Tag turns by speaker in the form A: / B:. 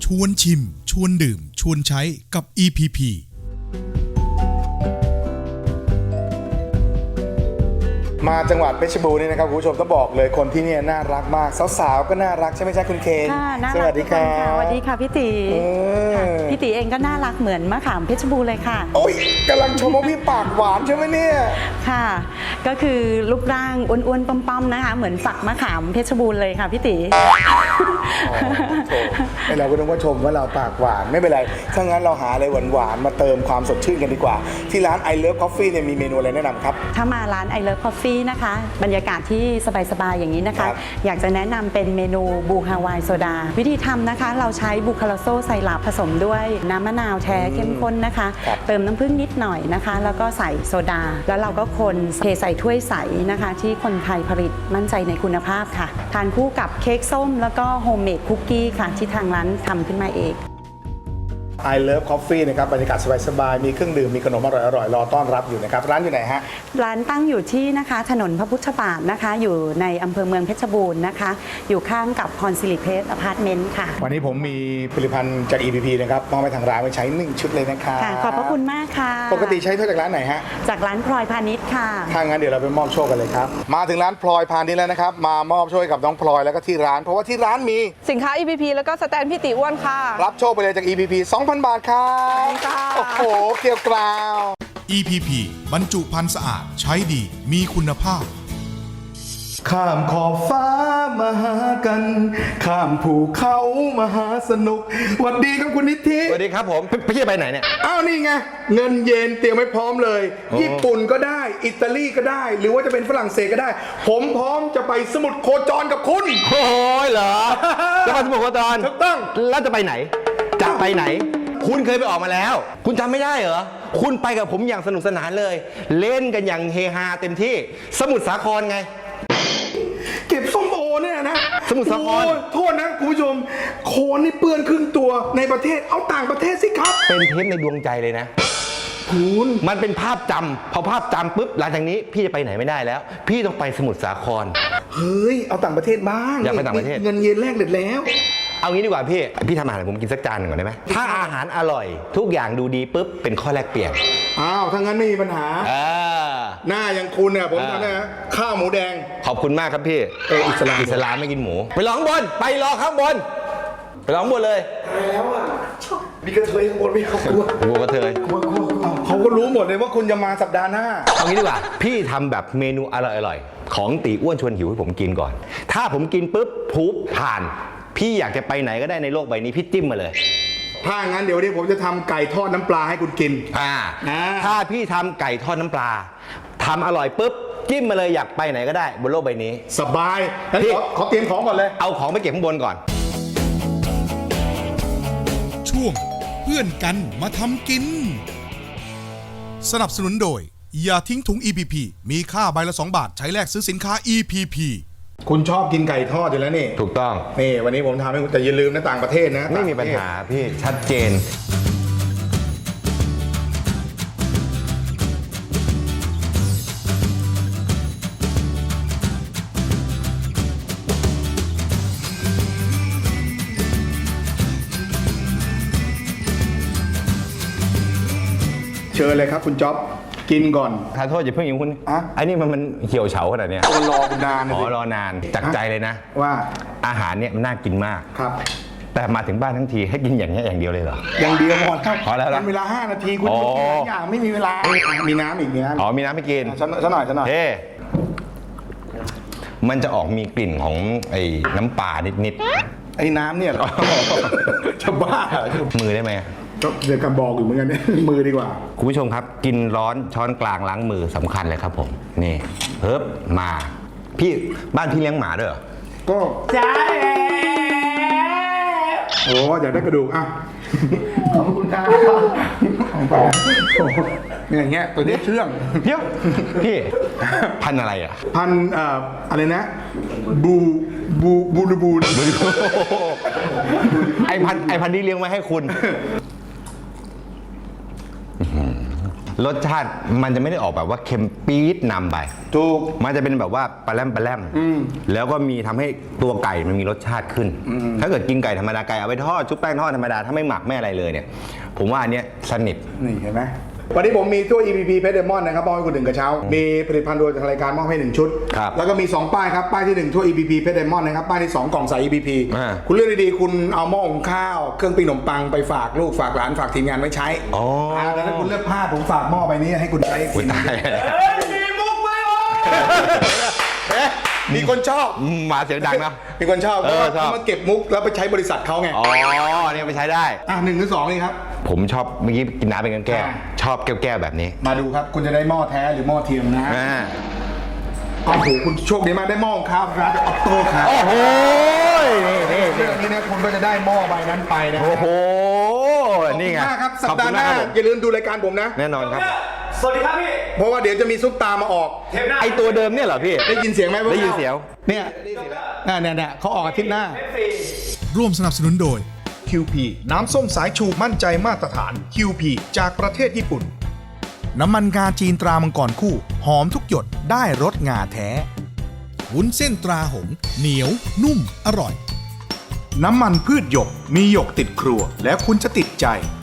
A: ชวนชิมชวนดื่มชวนใช้กับ EPP
B: มาจังหวัดเพชรบูรณ์นี่นะครับคุณผู้ชมต้องบอกเลยคนที่นี่น่ารักมากสาวๆก็น่ารักใช่ไหมใช่คุณเคนสวัสดีค่ะ
C: สวัสดีค่ะพี่ตีพี่ตีเองก็น่ารักเหมือนมะขามเพชรบูรณ์เลยค่ะ
B: โอ้ยกำลังชมว่าพี่ปากหวานใช่ไหมเนี่ย
C: ค่ะก็คือรูปร่างอ้วนๆป้อมๆนะคะเหมือนฝักมะขามเพชรบูรณ์เลยค่ะพี่ตี
B: เราก็ต้องว่าชมว่าเราปากหวานไม่เป็นไรถ้างั้นเราหาอะไรหวานๆมาเติมความสดชื่นกันดีกว่าที่ร้าน I Love Coffee เนี่ยมีเมนูอะไรแนะนำครับ
C: ถ้ามาร้าน I Love Coffee นะคะบรรยากาศที่สบายๆอย่างนี้นะคะอยากจะแนะนำเป็นเมนูบูฮาวายโซดาวิธีทำนะคะเราใช้บูคาราโซไซรัปผสมด้วยน้ำมะนาวแท้เข้มข้นนะคะเติมน้ำผึ้งนิดหน่อยนะคะแล้วก็ใส่โซดาแล้วเราก็คนเทใส่ถ้วยใสนะคะที่คนไทยผลิตมั่นใจในคุณภาพค่ะทานคู่กับเค้กส้มแล้วก็โฮมเมดคุกกี้ค่ะที่ทางร้านทำขึ้นมาเอง
B: I Love Coffee นะครับบรรยากาศสบายๆมีเครื่องดื่มมีขนมอร่อยๆรอต้อนรับอยู่นะครับร้านอยู่ไหนฮะ
C: ร้านตั้งอยู่ที่นะคะถนนพระพุทธบาทนะคะอยู่ในอำเภอเมืองเพชรบูรณ์นะคะอยู่ข้างกับพรสิริเพชรอพาร์ตเมนต์ค่ะ
B: วันนี้ผมมีผลิตภัณฑ์จาก EPP นะครับมอบให้ทางร้านไปใช้1ชุดเลยนะครับ
C: ขอบพระคุณมากค่ะ
B: ปกติใช้ถ้วยจากร้านไหนฮะ
C: จากร้านพลอยพาณิชย์ค่ะ
B: ถ้างั้นเดี๋ยวเราไปมอบโชคกันเลยครับมาถึงร้านพลอยพาณิชย์แล้วนะครับมามอบโชคกับน้องพลอยแล้วก็ที่ร้านเพราะว่าที่ร้านมี
D: สินค้า EPP แล้วก็สแตนพี่ติอ้วนค่ะ
B: รับโชคไปเลยจาก EPP 2,000 บาทครับโอ้โหเกี่ยวกราว
A: EPP บรรจุภัณฑ์สะอาดใช้ดีมีคุณภาพ
B: ข้ามขอบฟ้ามาหากันข้ามภูเขามาหาสนุกสวัสดีครับคุณนิธิ
E: สวัสดีครับผมพี่จะไปไหนเนี่ย
B: อ้าวนี่ไงเงินเยนเตรียมไว้พร้อมเลยญี่ปุ่นก็ได้อิตาลีก็ได้หรือว่าจะเป็นฝรั่งเศสก็ได้ผมพร้อมจะไปสมุทรโคจรกับคุณ
E: โอ้ยเหรอจะไปสมุทรโคจร
B: ถูกต้อง
E: แล้วจะไปไหนจะไปไหนคุณเคยไปออกมาแล้วคุณจำไม่ได้เหรอคุณไปกับผมอย่างสนุกสนานเลยเล่นกันอย่างเฮฮาเต็มที่สมุทรสาครไง
B: เก็บส้มโอเนี่ยนะ
E: สมุทรสาคร
B: โทษนะคุณผู้ชมโคนนี่เปื้อนครึ่งตัวในประเทศเอาต่างประเทศสิครับ
E: เป็นเทปในดวงใจเลยนะ
B: คุณ
E: มันเป็นภาพจำพอภาพจำปุ๊บหลังจากนี้พี่จะไปไหนไม่ได้แล้วพี่ต้องไปสมุทรสาคร
B: เฮ้ยเอาต่างประเทศบ้าง
E: อยากไปต่างประเทศ
B: เงินเย็นแรกเด็ดแล้ว
E: เอางี้ดีกว่าพี่ทำอาหารผมกินสักจานหนึ่งก่อนได้ไหมถ้าอาหารอร่อยทุกอย่างดูดีปุ๊บเป็นข้อแลกเปลี่ยน
B: อ้าวถ้างั้นไม่มีปัญหาหน้าอย่างคุณเนี่ยผมทำนะข้าวหมูแดง
E: ขอบคุณมากครับพี่
B: อิสลาม
E: ไม่กินหมูไปรอข้างบนไปรอข้างบนไปรอข้างบนเลย
B: แล้วอ่ะมีกระเทยข้างบนไม่เขากลัว
E: กระเทย
B: เขาก็รู้หมดเลยว่าคุณจะมาสัปดาห์หน้า
E: เอางี้ดีกว่าพี่ทำแบบเมนูอร่อยของตีอ้วนชวนหิวให้ผมกินก่อนถ้าผมกินปุ๊บปุ๊บผ่านพี่อยากจะไปไหนก็ได้ในโลกใบนี้พี่จิ้มมาเลย
B: ถ้างั้นเดี๋ยวนี้ผมจะทำไก่ทอดน้ำปลาให้คุณกิน
E: ถ้าพี่ทำไก่ทอดน้ำปลาทำอร่อยปุ๊บจิ้มมาเลยอยากไปไหนก็ได้บนโลกใบนี้
B: สบายพี่ขอเตรียมของก่อนเลย
E: เอาของไปเก็บข้างบนก่อน
A: ช่วงเพื่อนกันมาทำกินสนับสนุนโดยอย่าทิ้งถุง EPP มีค่าใบละ2 บาทใช้แลกซื้อสินค้า EPP
B: คุณชอบกินไก่ทอดอยู่แล้วนี่
E: ถูกต้อง
B: นี่วันนี้ผมทำให้คุณแต่อย่าลืมนะต่างประเทศนะ
E: ไม่มีปัญหาพี่ชัดเจน
B: เชิญเลยครับคุณจ๊อบกินก่อน
E: ทานโทษอย่าเพิ่งยิงคุณอันนี้มันเหี่ยวเฉาขนาดนี้
B: รอคุณนาน
E: รอนานจากใจเลยนะ
B: ว่า
E: อาหารเนี่ยมันน่ากินมาก
B: ครับ
E: แต่มาถึงบ้านทั้งทีให้กินอย่างนี้อย่างเดียวเลยเหรอ
B: อย่างเดียว
E: พอแล้ว
B: เวลา5 นาทีคุณกินอย่างไม่มีเวลามีน้ำอีกเนี้ย
E: มีน้ำไม่กิน
B: ซะหน่อย
E: มันจะออกมีกลิ่นของไอ้น้ำปลานิด
B: ไอ้น้ำเนี่ยจะบ้า
E: มือได้ไหม
B: เดี๋ยวกำบอกอยู่เหมือนกันมือดีกว่า
E: คุณผู้ชมครับกินร้อนช้อนกลางล้างมือสำคัญเลยครับผมนี่เฮิบมาพี่บ้านพี่เลี้ยงหมาด้วยเหรอ
B: ก็ใช่โอ้อยากได้กระดูกอ่ะขอบคุณครับอย่างเงี้ยตัวนี้เชื่อง
E: เดี๋ยวพี่พันอะไรอ่ะ
B: พันอะไรนะบู
E: ไอพันที่เลี้ยงไว้ให้คุณรสชาติมันจะไม่ได้ออกแบบว่าเค็มปี๊ดนำไป
B: ถูก
E: มันจะเป็นแบบว่าปลาแรมแล้วก็มีทำให้ตัวไก่มันมีรสชาติขึ้น ถ้าเกิดกินไก่ธรรมดาไก่เอาไปทอดชุบแป้งทอดธรรมดาถ้าไม่หมักไม่อะไรเลยเนี่ยผมว่าอันเนี้ยสนิท
B: นี่เห็นไหมวันนี้ผมมีถ้วย EPP เพชรเดมอนนะครับมอบให้คุณหนึ่งกระเช้า มีผลิตภัณฑ์โดยทางรายการมอบให้1ชุด
E: ครับ
B: แล้วก็มี2ป้ายครับป้ายที่1ถ้วย EPP เพชรเดมอนนะครับป้ายที่2กล่องใส่ EPP
E: อ่า
B: คุณเลือกดีๆคุณเอาหม้อหุงข้าวเครื่องปิ้งขนมปังไปฝากลูกฝากหลานฝากทีมงานไว้ใช้
E: อ๋อ
B: แล้วถ้าคุณเลือกพลาดผมฝากหม้อใบนี้ให้คุณใช้
E: อุ๊ยตาย
B: มีมุกไหมมีคนชอบ
E: มาเสียงดังนะ
B: มีคนชอบเพราะว่า
E: ชอบ
B: เขามาเก็บมุกแล้วไปใช้บริษัทเขาไง
E: อ๋อเนี่ยไปใช้ได้
B: 1 หรือ 2นี่ครับ
E: ผมชอบเมื่อกี้กินน้ำเป็นแก้ว
B: อ่า
E: ชอบแก้วๆแบบนี้
B: มาดูครับคุณจะได้หม้อแท้หรือหม้อเทียมนะฮะ
E: อ่า
B: โอ้โหคุณโชคดีมากได้หม้อของข้าวร้านออโต้ครับ
E: โอ้โหนี่
B: เรื่องนี้นะคุณก็จะได้หม้อใบนั้นไปนะ
E: โอ้โหนี่ไง
B: ขอบคุณมากครับสั
E: ข
B: ป
E: อบ
B: ดา
E: คุ
B: ห์
E: ณ
B: ห
E: มาก
B: น้า
E: ครับผม
B: อย่าลืมดูรายการผมนะ
E: แน่นอนครับ
F: สวัสดีครับพี่
B: เพราะว่าเดี๋ยวจะมีซุปตามาออก
F: เทปหน้า
E: ไอตัวเดิมเนี่ยเหรอพี่
B: ได้ยินเสียงไหม
E: ได้ยินเสียง
B: เนี่ยเนี่ยเขาออกอาทิตย์หน้า
A: ร่วมสนับสนุนโดย
B: QP น้ำส้มสายชูมั่นใจมาตรฐาน QP จากประเทศญี่ปุ่น
A: น้ำมันงาจีนตรามังกรคู่ หอมทุกหยดได้รสงาแท้ วุ้นเส้นตราหงส์เหนียว นุ่ม อร่อย
B: น้ำมันพืชหยกมีหยกติดครัว แล้วคุณจะติดใจ